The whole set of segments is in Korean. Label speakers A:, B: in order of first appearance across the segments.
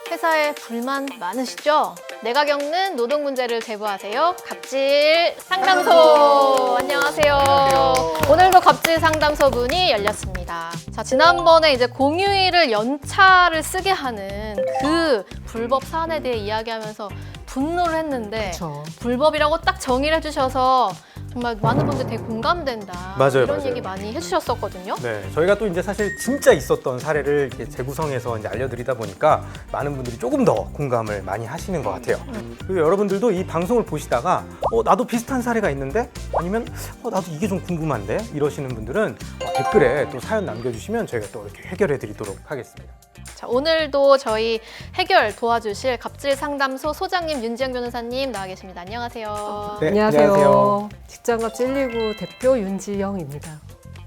A: 회사에 불만 많으시죠? 내가 겪는 노동 문제를 제보하세요. 갑질 상담소. 안녕하세요. 오늘도 갑질 상담소 문이 열렸습니다. 자, 지난번에 이제 공휴일을 연차를 쓰게 하는 그 불법 사안에 대해 이야기하면서 분노를 했는데
B: 그쵸.
A: 불법이라고 딱 정의를 해주셔서 정말 많은 분들 되게 공감된다.
C: 맞아요,
A: 이런
C: 맞아요.
A: 얘기 많이 해주셨었거든요.
C: 네, 저희가 또 이제 사실 진짜 있었던 사례를 이렇게 재구성해서 이제 알려드리다 보니까 많은 분들이 조금 더 공감을 많이 하시는 것 같아요. 그리고 여러분들도 이 방송을 보시다가 나도 비슷한 사례가 있는데 아니면 나도 이게 좀 궁금한데 이러시는 분들은 댓글에 또 사연 남겨주시면 저희가 또 이렇게 해결해드리도록 하겠습니다.
A: 자, 오늘도 저희 해결 도와주실 갑질 상담소 소장님 윤지영 변호사님 나와 계십니다. 안녕하세요.
C: 네,
B: 안녕하세요. 직장갑질 119 대표 윤지영입니다.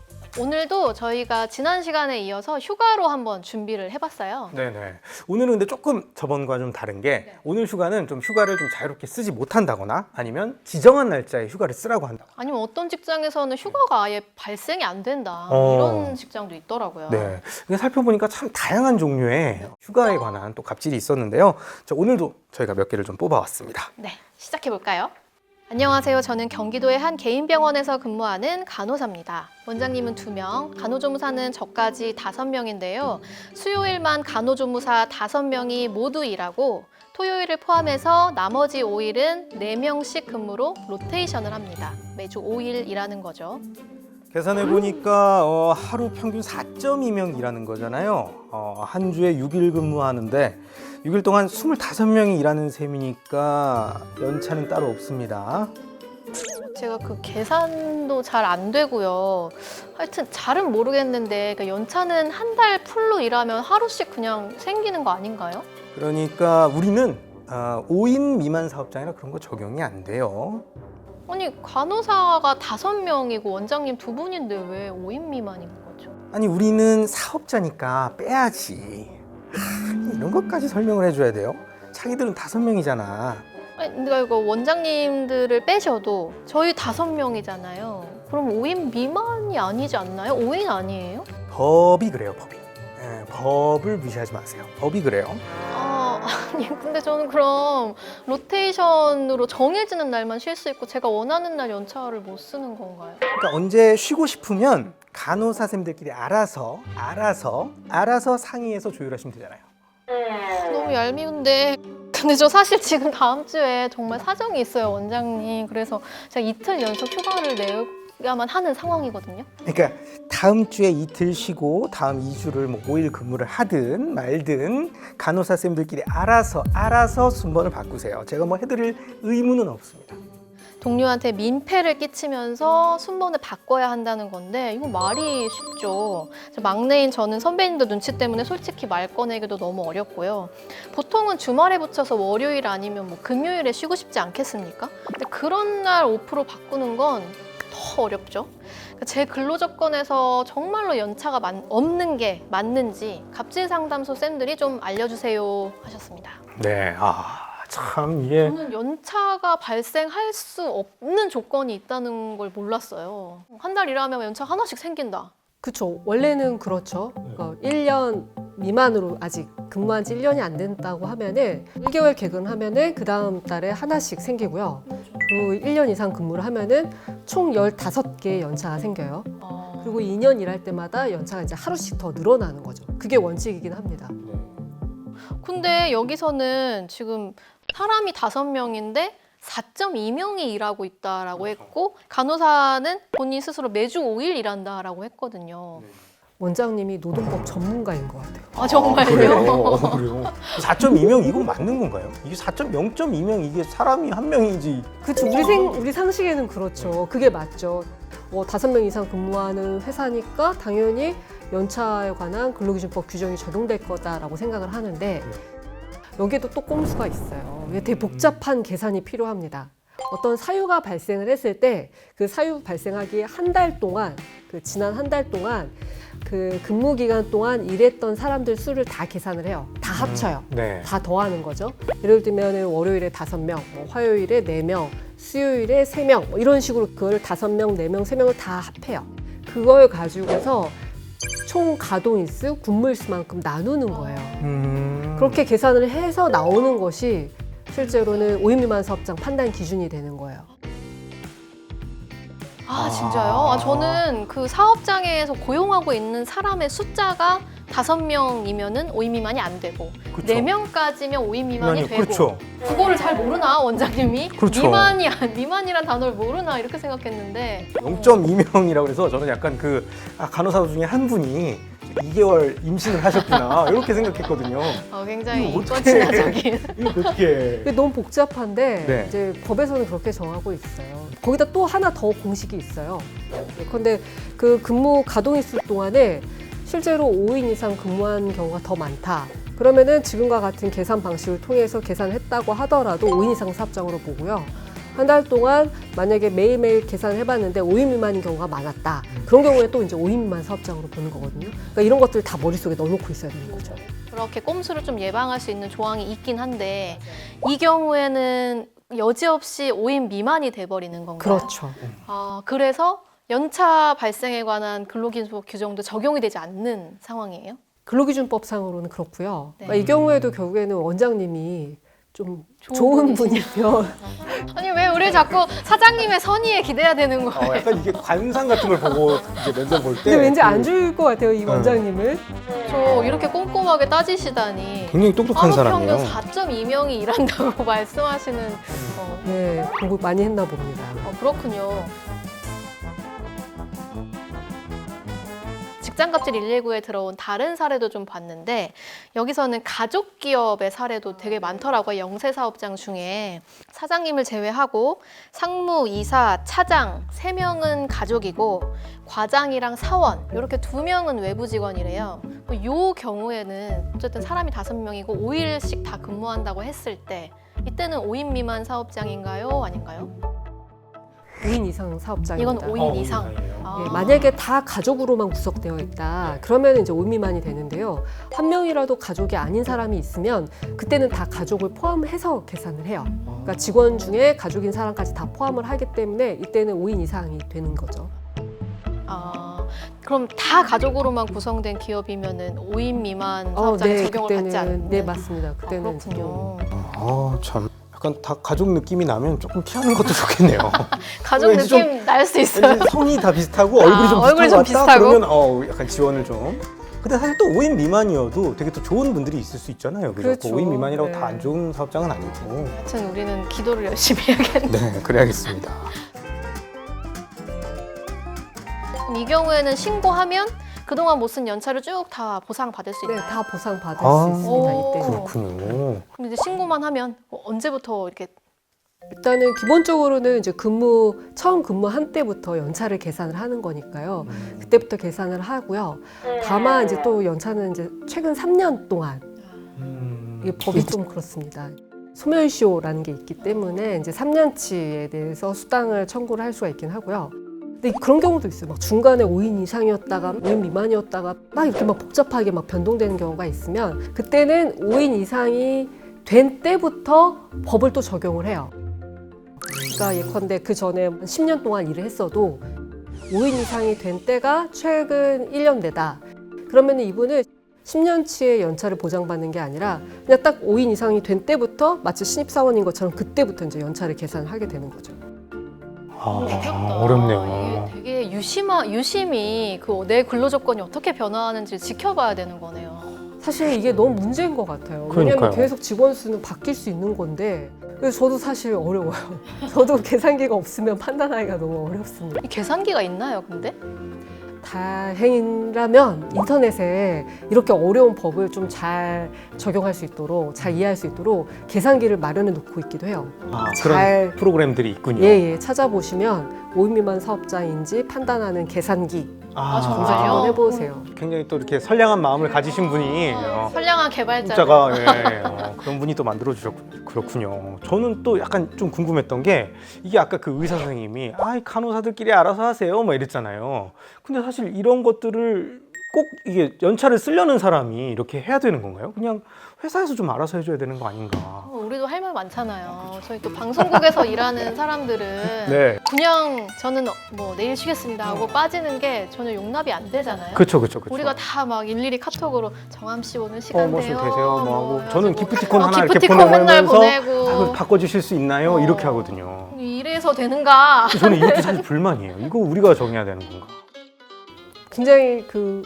A: 오늘도 저희가 지난 시간에 이어서 휴가로 한번 준비를 해봤어요.
C: 네네. 오늘은 근데 조금 저번과 좀 다른 게 오늘 휴가는 좀 휴가를 좀 자유롭게 쓰지 못한다거나 아니면 지정한 날짜에 휴가를 쓰라고 한다.
A: 아니면 어떤 직장에서는 휴가가 아예 발생이 안 된다. 이런 직장도 있더라고요.
C: 네. 근데 살펴보니까 참 다양한 종류의 휴가에 관한 또 갑질이 있었는데요. 자, 오늘도 저희가 몇 개를 좀 뽑아왔습니다.
A: 네, 시작해볼까요? 안녕하세요. 저는 경기도의 한 개인병원에서 근무하는 간호사입니다. 원장님은 2명, 간호조무사는 저까지 5명인데요. 수요일만 간호조무사 5명이 모두 일하고 토요일을 포함해서 나머지 5일은 4명씩 근무로 로테이션을 합니다. 매주 5일 일하는 거죠.
C: 계산해 보니까 하루 평균 4.2명 일하는 거잖아요. 한 주에 6일 근무하는데 6일 동안 25명이 일하는 셈이니까 연차는 따로 없습니다.
A: 제가 그 계산도 잘 안 되고요. 하여튼 잘은 모르겠는데 그 연차는 한 달 풀로 일하면 하루씩 그냥 생기는 거 아닌가요?
C: 그러니까 우리는 5인 미만 사업장이라 그런 거 적용이 안 돼요.
A: 아니 간호사가 5명이고 원장님 2분인데 왜 5인 미만인 거죠?
C: 아니 우리는 사업자니까 빼야지. 이런 것까지 설명을 해줘야 돼요? 자기들은 5명이잖아.
A: 아니 근데 이거 원장님들을 빼셔도 저희 5명이잖아요. 그럼 5인 미만이 아니지 않나요? 5인 아니에요?
C: 법이 그래요, 법이. 예, 법을 무시하지 마세요. 법이 그래요.
A: 아니 근데 저는 그럼 로테이션으로 정해지는 날만 쉴 수 있고 제가 원하는 날 연차를 못 쓰는 건가요?
C: 그러니까 언제 쉬고 싶으면 간호사 쌤들끼리 알아서 상의해서 조율하시면 되잖아요.
A: 너무 얄미운데 근데 저 사실 지금 다음 주에 정말 사정이 있어요 원장님. 그래서 제가 이틀 연속 휴가를 내야만 하는 상황이거든요.
C: 그러니까 다음 주에 이틀 쉬고 다음 2주를 뭐 5일 근무를 하든 말든 간호사 쌤들끼리 알아서 순번을 바꾸세요. 제가 뭐 해드릴 의무는 없습니다.
A: 동료한테 민폐를 끼치면서 순번을 바꿔야 한다는 건데 이거 말이 쉽죠. 막내인 저는 선배님들 눈치 때문에 솔직히 말 꺼내기도 너무 어렵고요. 보통은 주말에 붙여서 월요일 아니면 뭐 금요일에 쉬고 싶지 않겠습니까? 근데 그런 날 오프로 바꾸는 건 더 어렵죠. 제 근로조건에서 정말로 연차가 없는 게 맞는지 갑질 상담소 쌤들이 좀 알려주세요 하셨습니다.
C: 네, 참 이게
A: 저는 연차가 발생할 수 없는 조건이 있다는 걸 몰랐어요. 한 달 일하면 연차 하나씩 생긴다.
B: 그쵸. 원래는 그렇죠. 1년 미만으로 아직 근무한 지 1년이 안 된다고 하면은 1개월 개근하면은 그 다음 달에 하나씩 생기고요. 그리고 1년 이상 근무를 하면은 총 15개의 연차가 생겨요. 그리고 2년 일할 때마다 연차가 이제 하루씩 더 늘어나는 거죠. 그게 원칙이긴 합니다.
A: 근데 여기서는 지금 사람이 5명인데 4.2명이 일하고 있다라고 했고 간호사는 본인 스스로 매주 5일 일한다라고 했거든요.
B: 원장님이 노동법 전문가인 것 같아요.
A: 아 정말요?
C: 그래요. 4.2명 이건 맞는 건가요? 이게 0.2명 이게 사람이 한 명이지.
B: 그쵸. 우리 상식에는 그렇죠. 그게 맞죠. 5명 이상 근무하는 회사니까 당연히 연차에 관한 근로기준법 규정이 적용될 거다라고 생각을 하는데 여기에도 또 꼼수가 있어요. 이게 되게 복잡한 계산이 필요합니다. 어떤 사유가 발생을 했을 때 그 사유 발생하기 한 달 동안 지난 한 달 동안 그 근무 기간 동안 일했던 사람들 수를 다 계산을 해요. 다 합쳐요.
C: 네.
B: 다 더하는 거죠. 예를 들면 월요일에 5명, 화요일에 4명, 수요일에 3명 뭐 이런 식으로 그걸 5명, 4명, 3명을 다 합해요. 그걸 가지고서 총 가동일수, 근무일수만큼 나누는 거예요. 그렇게 계산을 해서 나오는 것이 실제로는 5인 미만 사업장 판단 기준이 되는 거예요.
A: 아, 진짜요? 아, 저는 그 사업장에서 고용하고 있는 사람의 숫자가 5명이면은 5인 미만이 안 되고
C: 그쵸.
A: 4명까지면 5인 미만이 되고
C: 그렇죠.
A: 그거를 잘 모르나 원장님이?
C: 그렇죠.
A: 미만이란 단어를 모르나 이렇게 생각했는데
C: 0.2명이라고 해서 저는 약간 간호사 중에 한 분이 2개월 임신을 하셨구나 이렇게 생각했거든요.
A: 굉장히
C: 이거 어떡해.
A: 인권친화적인
C: 이거 어떻게?
B: 이게 너무 복잡한데
C: 네.
B: 이제 법에서는 그렇게 정하고 있어요. 거기다 또 하나 더 공식이 있어요. 그런데 그 근무 가동일수 동안에 실제로 5인 이상 근무한 경우가 더 많다. 그러면은 지금과 같은 계산 방식을 통해서 계산했다고 하더라도 5인 이상 사업장으로 보고요. 한 달 동안 만약에 매일매일 계산을 해봤는데 5인 미만인 경우가 많았다. 그런 경우에 또 이제 5인 미만 사업장으로 보는 거거든요. 그러니까 이런 것들 다 머릿속에 넣어놓고 있어야 되는 거죠.
A: 그렇게 꼼수를 좀 예방할 수 있는 조항이 있긴 한데 이 경우에는 여지없이 5인 미만이 돼버리는 건가요?
B: 그렇죠.
A: 그래서 연차 발생에 관한 근로기준법 규정도 적용이 되지 않는 상황이에요?
B: 근로기준법상으로는 그렇고요.
A: 네.
B: 그러니까 이 경우에도 결국에는 원장님이 좀 좋은 분이면
A: 아니 왜 우리 자꾸 사장님의 선의에 기대야 되는 거예요?
C: 약간 이게 관상 같은 걸 보고 이제 면접 볼 때.
B: 근데 왠지 안 줄 것 같아요, 이 원장님을.
A: 저 이렇게 꼼꼼하게 따지시다니
C: 굉장히 똑똑한 사람이에요.
A: 평균 4.2명이 일한다고 말씀하시는
B: 네, 공부 많이 했나 봅니다.
A: 그렇군요. 직장갑질 119에 들어온 다른 사례도 좀 봤는데 여기서는 가족 기업의 사례도 되게 많더라고요. 영세 사업장 중에 사장님을 제외하고 상무, 이사, 차장 3명은 가족이고 과장이랑 사원 이렇게 2명은 외부 직원이래요. 이 경우에는 어쨌든 사람이 5명이고 5일씩 다 근무한다고 했을 때 이때는 5인 미만 사업장인가요? 아닌가요?
B: 5인 이상 사업장입니다.
A: 이건 5인 이상.
B: 예, 만약에 다 가족으로만 구성되어 있다. 그러면 이제 5인 미만이 되는데요. 한 명이라도 가족이 아닌 사람이 있으면 그때는 다 가족을 포함해서 계산을 해요. 그러니까 직원 중에 가족인 사람까지 다 포함을 하기 때문에 이때는 5인 이상이 되는 거죠.
A: 그럼 다 가족으로만 구성된 기업이면은 5인 미만 사업장에
B: 네,
A: 적용을
B: 그때는,
A: 받지 않는?
B: 네, 맞습니다. 그때는 이제 좀
A: 그렇군요.
C: 참. 약간 다 가족 느낌이 나면 조금 피하는 것도 좋겠네요.
A: 가족
C: 왠지
A: 느낌 날 수 있어요.
C: 왠지 성이 다 비슷하고 얼굴이 좀
A: 얼굴이 좀
C: 비슷한 것 같다?
A: 비슷하고?
C: 그러면 약간 지원을 좀. 근데 사실 또 5인 미만이어도 되게 또 좋은 분들이 있을 수 있잖아요. 그죠?
B: 그렇죠.
C: 5인 미만이라고
B: 네.
C: 다 안 좋은 사업장은 아니고.
A: 하여튼 우리는 기도를 열심히 해야겠네.
C: 네, 그래야겠습니다.
A: 그럼 이 경우에는 신고하면 그동안 못 쓴 연차를 쭉 다 보상받을 수
B: 네,
A: 있나요?
B: 다 보상받을
C: 아,
B: 수 있습니다.
A: 오.
B: 이때는.
C: 그렇군요.
A: 그럼 이제 신고만 하면 언제부터 이렇게
B: 일단은 기본적으로는 이제 처음 근무한 때부터 연차를 계산을 하는 거니까요. 그때부터 계산을 하고요. 다만 이제 또 연차는 이제 최근 3년 동안 이게 법이 좀 그렇습니다. 소멸시효라는 게 있기 때문에 이제 3년치에 대해서 수당을 청구를 할 수가 있긴 하고요. 근데 그런 경우도 있어요. 막 중간에 5인 이상이었다가 5인 미만이었다가 막 이렇게 막 복잡하게 막 변동되는 경우가 있으면 그때는 5인 이상이 된 때부터 법을 또 적용을 해요. 그러니까 예컨대 그 전에 10년 동안 일을 했어도 5인 이상이 된 때가 최근 1년 내다. 그러면 이분은 10년치의 연차를 보장받는 게 아니라 그냥 딱 5인 이상이 된 때부터 마치 신입사원인 것처럼 그때부터 이제 연차를 계산을 하게 되는 거죠.
C: 어렵네요.
A: 이게 되게 유심히 내 근로 조건이 어떻게 변화하는지 지켜봐야 되는 거네요.
B: 사실 이게 너무 문제인 것 같아요.
C: 그러니까요.
B: 왜냐하면 계속 직원 수는 바뀔 수 있는 건데 그래서 저도 사실 어려워요. 저도 계산기가 없으면 판단하기가 너무 어렵습니다.
A: 이 계산기가 있나요, 근데?
B: 다행이라면 인터넷에 이렇게 어려운 법을 좀 잘 적용할 수 있도록 잘 이해할 수 있도록 계산기를 마련해 놓고 있기도 해요.
C: 그런 프로그램들이 있군요.
B: 예, 찾아보시면 5인 미만 사업장인지 판단하는 계산기 검색
A: 정말요?
B: 한번 해보세요.
C: 굉장히 또 이렇게 선량한 마음을 가지신 분이
A: 선량한 개발자.
C: 문자가 그런 분이 또 만들어 주셨군요. 그렇군요. 저는 또 약간 좀 궁금했던 게 이게 아까 그 의사 선생님이 간호사들끼리 알아서 하세요 막 이랬잖아요. 근데 사실 이런 것들을 꼭 이게 연차를 쓰려는 사람이 이렇게 해야 되는 건가요? 그냥 회사에서 좀 알아서 해줘야 되는 거 아닌가?
A: 우리도 할 말 많잖아요. 저희 또 방송국에서 일하는 사람들은
C: 네.
A: 그냥 저는 뭐 내일 쉬겠습니다 하고 빠지는 게 전혀 용납이 안 되잖아요.
C: 그렇죠.
A: 우리가 다 막 일일이 카톡으로 정함 씨 오늘 시간
C: 뭐
A: 돼요.
C: 좀 되세요. 뭐 하고
A: 해가지고
C: 저는 기프티콘 하나 이렇게
A: 기프티콘
C: 보내고
A: 맨날
C: 하면서
A: 보내고.
C: 아, 바꿔주실 수 있나요?
A: 어.
C: 이렇게 하거든요.
A: 이래서 되는가?
C: 저는 이것도 사실 불만이에요. 이거 우리가 정해야 되는 건가?
B: 굉장히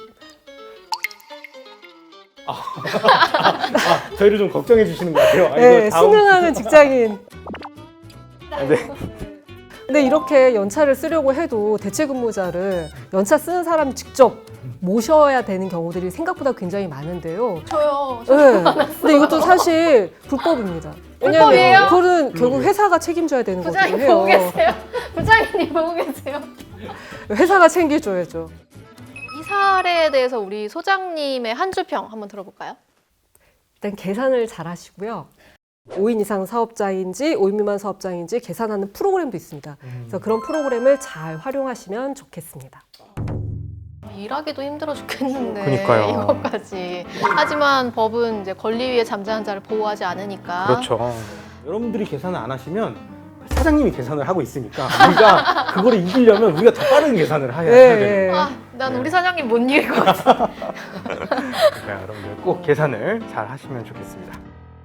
C: 저희를 좀 걱정해 주시는 것 같아요.
B: 네, 수능하는 직장인.
C: 네.
B: 근데 이렇게 연차를 쓰려고 해도 대체 근무자를 연차 쓰는 사람이 직접 모셔야 되는 경우들이 생각보다 굉장히 많은데요.
A: 저요.
B: 네. 근데 이것도 사실 불법입니다.
A: 불법이에요?
B: 왜냐하면 그거는 결국 회사가 책임져야 되는
A: 부장님
B: 거거든요.
A: 보고 계세요? 부장님 보고 계세요?
B: 회사가 챙겨줘야죠.
A: 이 사례에 대해서 우리 소장님의 한 줄평 한번 들어볼까요?
B: 일단 계산을 잘 하시고요. 5인 이상 사업자인지 5인 미만 사업자인지 계산하는 프로그램도 있습니다. 그래서 그런 프로그램을 잘 활용하시면 좋겠습니다.
A: 일하기도 힘들어 죽겠는데
C: 그러니까요.
A: 이것까지. 하지만 법은 이제 권리 위에 잠자는 자를 보호하지 않으니까.
C: 그렇죠. 여러분들이 계산을 안 하시면 사장님이 계산을 하고 있으니까 우리가 그거를 이기려면 우리가 더 빠른 계산을 해야 돼요.
A: 아, 난 우리 사장님 못 이길 것 같아.
C: 그러니까 여러분들 꼭 계산을 잘 하시면 좋겠습니다.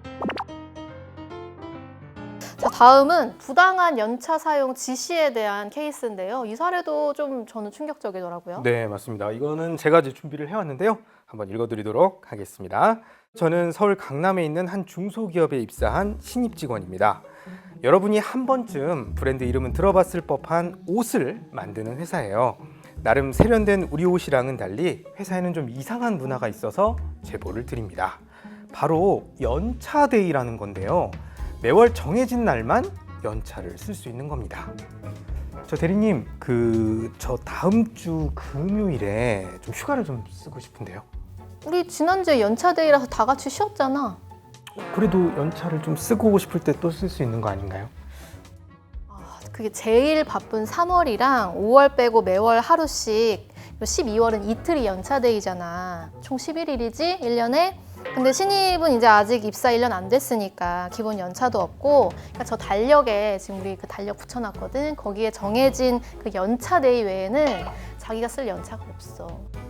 A: 자, 다음은 부당한 연차 사용 지시에 대한 케이스인데요. 이 사례도 좀 저는 충격적이더라고요.
C: 네, 맞습니다. 이거는 제가 이제 준비를 해왔는데요. 한번 읽어드리도록 하겠습니다. 저는 서울 강남에 있는 한 중소기업에 입사한 신입 직원입니다. 여러분이 한 번쯤 브랜드 이름은 들어봤을 법한 옷을 만드는 회사예요. 나름 세련된 우리 옷이랑은 달리 회사에는 좀 이상한 문화가 있어서 제보를 드립니다. 바로 연차데이라는 건데요. 매월 정해진 날만 연차를 쓸 수 있는 겁니다. 저 대리님, 저 다음 주 금요일에 좀 휴가를 좀 쓰고 싶은데요.
A: 우리 지난주에 연차데이라서 다 같이 쉬었잖아.
C: 그래도 연차를 좀 쓰고 싶을 때 또 쓸 수 있는 거 아닌가요?
A: 그게 제일 바쁜 3월이랑 5월 빼고 매월 하루씩 12월은 이틀이 연차데이잖아. 총 11일이지 1년에. 근데 신입은 이제 아직 입사 1년 안 됐으니까 기본 연차도 없고, 그러니까 저 달력에 지금 우리 그 달력 붙여놨거든. 거기에 정해진 그 연차데이 외에는 자기가 쓸 연차가 없어.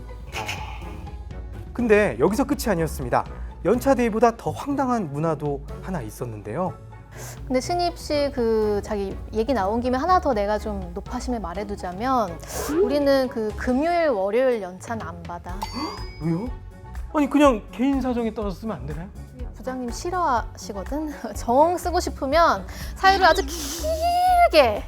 C: 근데 여기서 끝이 아니었습니다. 연차데이보다 더 황당한 문화도 하나 있었는데요.
A: 근데 신입 씨 그 자기 얘기 나온 김에 하나 더 내가 좀 높아심에 말해두자면, 우리는 그 금요일 월요일 연차는 안 받아.
C: 왜요? 아니 그냥 개인 사정에 따라서 쓰면 안 되나요?
A: 부장님 싫어하시거든. 정 쓰고 싶으면 사유를 아주 길게,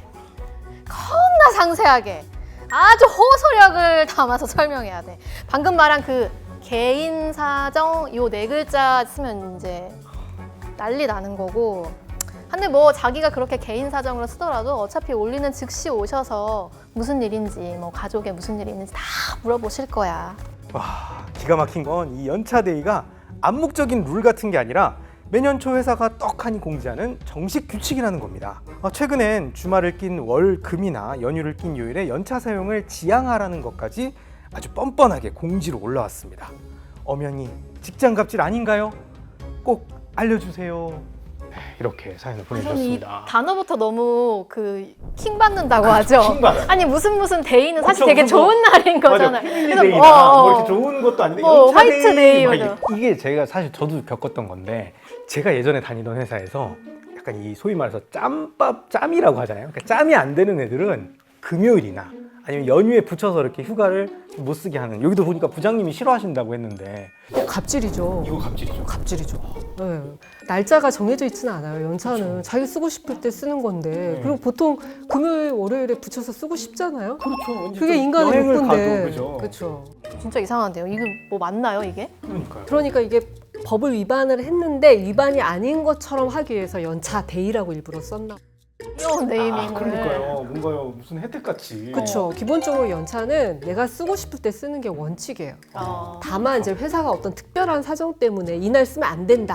A: 겁나 상세하게, 아주 호소력을 담아서 설명해야 돼. 방금 말한 그 개인 사정 요 4글자 쓰면 이제 난리 나는 거고. 근데 뭐 자기가 그렇게 개인 사정으로 쓰더라도 어차피 올리는 즉시 오셔서 무슨 일인지, 뭐 가족에 무슨 일이 있는지 다 물어보실 거야.
C: 와, 기가 막힌 건 이 연차데이가 암묵적인 룰 같은 게 아니라 매년 초 회사가 떡하니 공지하는 정식 규칙이라는 겁니다. 최근엔 주말을 낀 월, 금이나 연휴를 낀 요일에 연차 사용을 지양하라는 것까지 아주 뻔뻔하게 공지로 올라왔습니다. 엄연히 직장 갑질 아닌가요? 꼭 알려주세요. 이렇게 사연을
A: 저는 이
C: 보내주셨습니다.
A: 단어부터 너무 그 킹 받는다고 하죠.
C: 킹받아요.
A: 아니 무슨 데이는 사실
C: 그렇죠,
A: 되게
C: 무슨 뭐-
A: 좋은 날인 거잖아요.
C: 패밀리데이나 뭐 이렇게 좋은 것도 아닌데
A: 뭐
C: 연차데이
A: 화이트데이
C: 막
A: 맞아.
C: 이게 제가 사실 저도 겪었던 건데, 제가 예전에 다니던 회사에서 약간 이 소위 말해서 짬이라고 하잖아요. 그러니까 짬이 안 되는 애들은 금요일이나 아니면 연휴에 붙여서 이렇게 휴가를 못 쓰게 하는, 여기도 보니까 부장님이 싫어하신다고 했는데
B: 갑질이죠.
C: 이거 갑질이죠.
B: 갑질이죠. 네. 날짜가 정해져 있지는 않아요. 연차는
C: 그렇죠.
B: 자기 쓰고 싶을 때 쓰는 건데, 그리고 보통 금요일, 월요일에 붙여서 쓰고 싶잖아요.
C: 그렇죠.
B: 그게 인간의
C: 여행을
B: 욕구인데.
C: 가도 그죠.
B: 그렇죠.
A: 진짜 이상한데요. 이거 뭐 맞나요 이게?
C: 그러니까요.
B: 그러니까 이게 법을 위반을 했는데 위반이 아닌 것처럼 하기 위해서 연차 데이라고 일부러 썼나.
A: 귀여운 네이밍을.
C: 그러니까요. 뭔가요 무슨 혜택 같이.
B: 그렇죠. 기본적으로 연차는 내가 쓰고 싶을 때 쓰는 게 원칙이에요.
A: 어.
B: 다만 이제 회사가 어떤 특별한 사정 때문에 이날 쓰면 안 된다,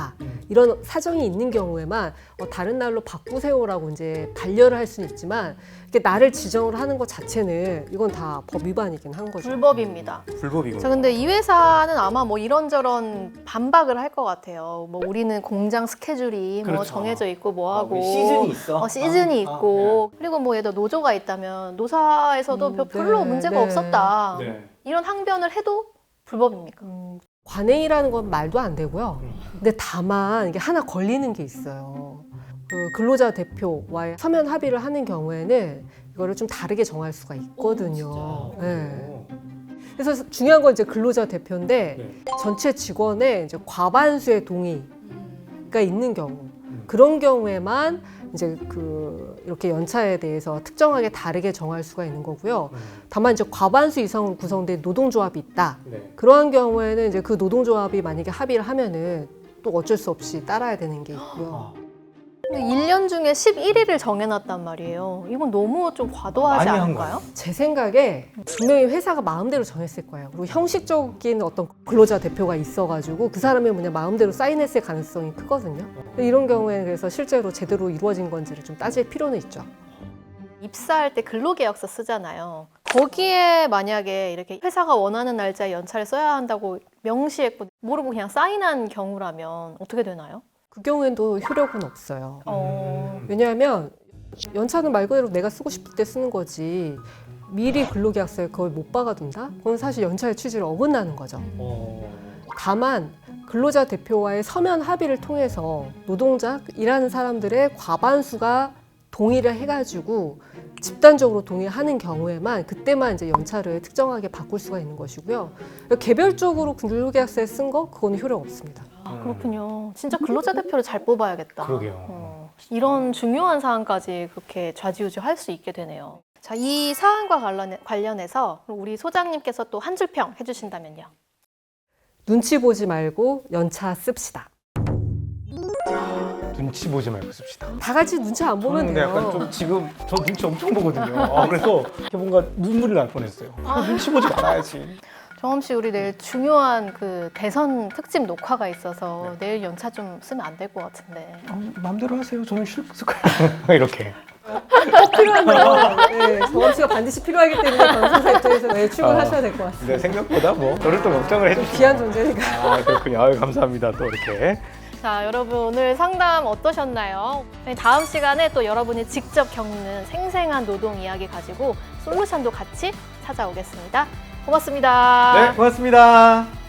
B: 이런 사정이 있는 경우에만 다른 날로 바꾸세요라고 이제 반려를 할 수는 있지만 이렇게 날을 지정을 하는 것 자체는 이건 다 법 위반이긴 한 거죠.
A: 불법입니다.
C: 불법이군요.
A: 자, 근데 이 회사는 아마 뭐 이런저런 반박을 할 것 같아요. 뭐 우리는 공장 스케줄이 뭐
C: 그렇죠.
A: 정해져 있고 뭐 하고
C: 시즌이 있어.
A: 시즌이 있고 그리고 뭐 예를 들어 노조가 있다면 노사에서도 별로
B: 네,
A: 문제가
B: 네.
A: 없었다.
C: 네.
A: 이런 항변을 해도 불법입니까?
B: 관행이라는 건 말도 안 되고요. 근데 다만 이게 하나 걸리는 게 있어요. 그 근로자 대표와의 서면 합의를 하는 경우에는 이거를 좀 다르게 정할 수가 있거든요. 네. 그래서 중요한 건 이제 근로자 대표인데 전체 직원의 이제 과반수의 동의가 있는 경우 그런 경우에만 이제 이렇게 연차에 대해서 특정하게 다르게 정할 수가 있는 거고요. 다만 이제 과반수 이상으로 구성된 노동조합이 있다. 그러한 경우에는 이제 그 노동조합이 만약에 합의를 하면은 또 어쩔 수 없이 따라야 되는 게 있고요.
A: 근데 1년 중에 11일을 정해놨단 말이에요. 이건 너무 좀 과도하지
C: 많이 한
A: 않을까요?
B: 제 생각에 분명히 회사가 마음대로 정했을 거예요. 그리고 형식적인 어떤 근로자 대표가 있어가지고 그 사람이 그냥 마음대로 사인했을 가능성이 크거든요. 이런 경우에는 그래서 실제로 제대로 이루어진 건지를 좀 따질 필요는 있죠.
A: 입사할 때 근로계약서 쓰잖아요. 거기에 만약에 이렇게 회사가 원하는 날짜에 연차를 써야 한다고 명시했고 모르고 그냥 사인한 경우라면 어떻게 되나요?
B: 그 경우에도 효력은 없어요.
A: 어...
B: 왜냐하면 연차는 말 그대로 내가 쓰고 싶을 때 쓰는 거지 미리 근로계약서에 그걸 못 박아둔다? 그건 사실 연차의 취지를 어긋나는 거죠. 다만 근로자 대표와의 서면 합의를 통해서 노동자, 일하는 사람들의 과반수가 동의를 해가지고 집단적으로 동의하는 경우에만 그때만 이제 연차를 특정하게 바꿀 수가 있는 것이고요. 개별적으로 근로계약서에 쓴 거 그거는 효력 없습니다.
A: 아, 그렇군요. 진짜 근로자 대표를 잘 뽑아야겠다.
C: 그러게요.
A: 이런 중요한 사안까지 그렇게 좌지우지 할 수 있게 되네요. 자, 이 사안과 관련해서 우리 소장님께서 또 한 줄 평 해주신다면요.
B: 눈치 보지 말고 연차 씁시다.
C: 눈치 보지 말고 씁시다.
B: 다 같이 눈치 안 보면
C: 근데
B: 돼요.
C: 약간 좀 지금 저 눈치 엄청 보거든요. 그래서 이렇게 뭔가 눈물이 날 뻔했어요. 눈치 보지 말아야지.
A: 정엄 씨, 우리 내일 중요한 그 대선 특집 녹화가 있어서 내일 연차 좀 쓰면 안 될 것 같은데.
C: 마음대로 하세요. 저는 쉴 거예요. 이렇게.
B: 꼭 필요하면 네, 정엄 씨가 반드시 필요하기 때문에 방송사 입장에서 매일 출근하셔야 될 것 같습니다.
C: 근데 생각보다 뭐 저를 또 걱정을 해주시고.
B: 귀한 존재니까.
C: 아 그렇군요. 아유, 감사합니다. 또 이렇게.
A: 자, 여러분 오늘 상담 어떠셨나요? 다음 시간에 또 여러분이 직접 겪는 생생한 노동 이야기 가지고 솔루션도 같이 찾아오겠습니다. 고맙습니다.
C: 네, 고맙습니다.